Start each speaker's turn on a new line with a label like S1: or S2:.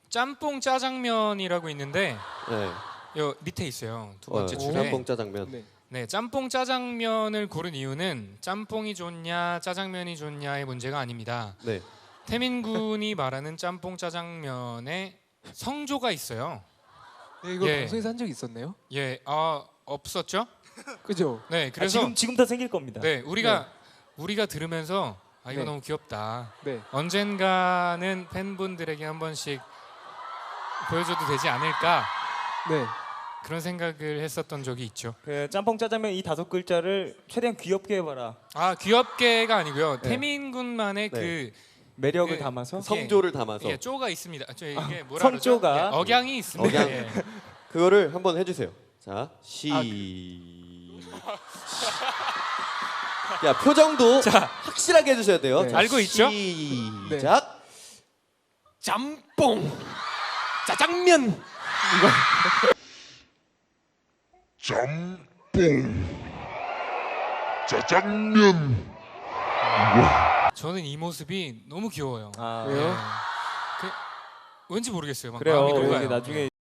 S1: 짬뽕 짜장면이라고 있는데
S2: 네.
S1: 요 밑에 있어요. 두 번째 줄에.
S2: 짬뽕 짜장면.
S3: 네.
S1: 네, 짬뽕 짜장면을 고른 이유는 짬뽕이 좋냐 짜장면이 좋냐의 문제가 아닙니다.
S2: 네.
S1: 태민 군이 말하는 짬뽕 짜장면에 성조가 있어요.
S3: 네, 이거
S1: 예.
S3: 방송에서 한 적 있었나요?
S1: 예, 없었죠?
S3: 그죠?
S1: 네, 그래서
S4: 지금 더 생길 겁니다.
S1: 네, 우리가 들으면서 아 이거
S3: 네.
S1: 너무 귀엽다.
S3: 네.
S1: 언젠가는 팬분들에게 한 번씩 보여줘도 되지 않을까
S3: 네.
S1: 그런 생각을 했었던 적이 있죠.
S4: 그 짬뽕 짜장면 이 5글자를 최대한 귀엽게 해봐라.
S1: 아 귀엽게가 아니고요.
S4: 네.
S1: 태민 군만의
S2: 네.
S1: 그
S4: 매력을
S1: 그
S4: 담아서
S2: 성조를 담아서
S1: 예, 쪼가 있습니다. 이게 뭐라
S4: 성조가.
S1: 그러죠? 예, 억양이 있습니다.
S2: 억양.
S1: 예.
S2: 그거를 한번 해주세요. 자, 야, 표정도 확실하게 해주셔야 돼요.
S3: 네.
S2: 자,
S1: 알고 있죠?
S2: 시작.
S3: 짬뽕 짜장면.
S5: 짬뽕 짜장면
S1: 저는 이 모습이 너무 귀여워요.
S4: 아,
S3: 왜요?
S1: 왠지 모르겠어요. 막
S4: 그래요.
S1: 마음이
S4: 이게
S1: 녹아요.
S4: 나중에